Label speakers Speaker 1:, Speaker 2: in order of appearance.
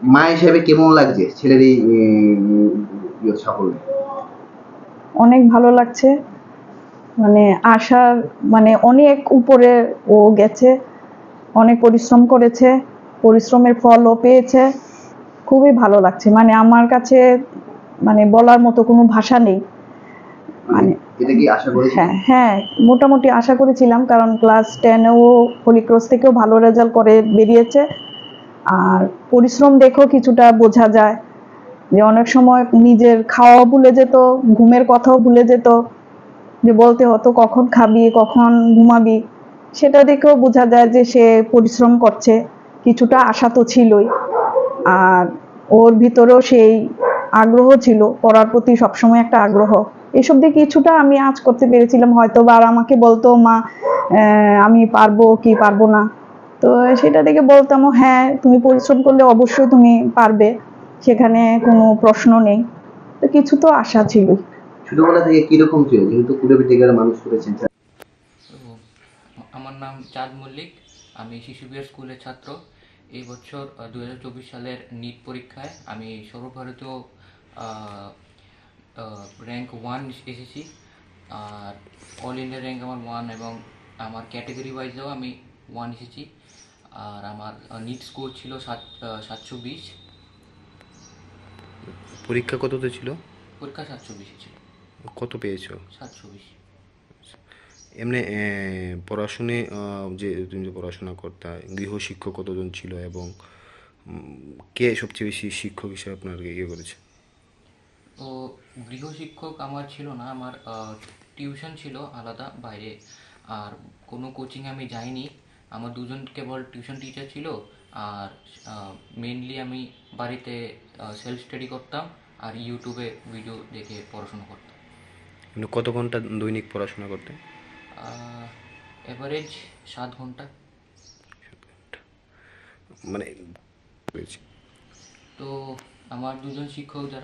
Speaker 1: মা হিসেবে কেমন লাগছে ছেলের এই সাফল্য?
Speaker 2: অনেক ভালো লাগছে, মানে আশার মানে অনেক উপরে ও গেছে, অনেক পরিশ্রম করেছে, পরিশ্রমের ফলও পেয়েছে। খুবই ভালো লাগছে, মানে আমার কাছে মানে বলার মতো কোনো ভাষা নেই। মানে
Speaker 1: এটা কি আশা করেছিলেন?
Speaker 2: হ্যাঁ হ্যাঁ, মোটামুটি আশা করেছিলাম, কারণ ক্লাস 10-এও হোলি ক্রস থেকেও ভালো রেজাল্ট করে বেরিয়েছে। আর পরিশ্রম দেখেও কিছুটা বোঝা যায় যে অনেক সময় নিজের খাওয়াও ভুলে যেত, ঘুমের কথাও ভুলে যেত, যে বলতে হতো কখন খাবি কখন ঘুমাবি। সেটা দেখেও বোঝা যায় যে সে পরিশ্রম করছে, কিছুটা আশা তো ছিলই। আর ওর ভিতরেও সেই আগ্রহ ছিল, পড়ার প্রতি সবসময় একটা আগ্রহ। এসব দিয়ে কিছুটা আমি আঁচ করতে পেরেছিলাম হয়তো, বা আর আমাকে বলতো মা আমি পারবো কি পারবো না, তো সেটা দেখে বলতাম হ্যাঁ তুমি পরিশ্রম করলে অবশ্যই তুমি পারবে, সেখানে কোনো প্রশ্ন নেই। তো কিছু তো আশা ছিল।
Speaker 1: ছোটবেলা থেকে কিরকম ছিল, যেহেতু কুড়ে থেকে মানুষ করেছেন?
Speaker 3: তো আমার নাম চাঁদ মল্লিক, আমি শিশু বিহার স্কুলের ছাত্র। এই বছর 2024 সালের নিট পরীক্ষায় আমি সর্বভারতীয় র্যাঙ্ক 1 এসেছি। আর অল ইন্ডিয়া র্যাঙ্ক আমার 1, এবং আমার ক্যাটেগরি ওয়াইজেও আমি 1 এসেছি। আর আমার নিট স্কোর ছিল 720।
Speaker 4: পরীক্ষা কততে ছিল?
Speaker 3: পরীক্ষা 720 ছিল।
Speaker 4: কত পেয়েছো?
Speaker 3: 720।
Speaker 4: এমনি পড়াশুনে যে তুমি যে পড়াশোনা করতে, গৃহশিক্ষক কতজন ছিল এবং কে সবচেয়ে বেশি শিক্ষক হিসেবে আপনার ইয়ে করেছে?
Speaker 3: তো গৃহশিক্ষক আমার ছিল না, আমার টিউশন ছিল আলাদা বাইরে। আর কোনো কোচিং আমি যাইনি, আমার দুজন কেবল টিউশন টিচার ছিল। আর মেনলি আমি বাড়িতে সেলফ স্টাডি করতাম আর ইউটিউবে ভিডিও দেখে পড়াশোনা করতাম।
Speaker 4: মানে কত ঘন্টা দৈনিক পড়াশোনা করতে?
Speaker 3: এভারেজ 7 ঘন্টা।
Speaker 4: মানে পেয়েছি।
Speaker 3: তো আমার দুজন শিক্ষক যারা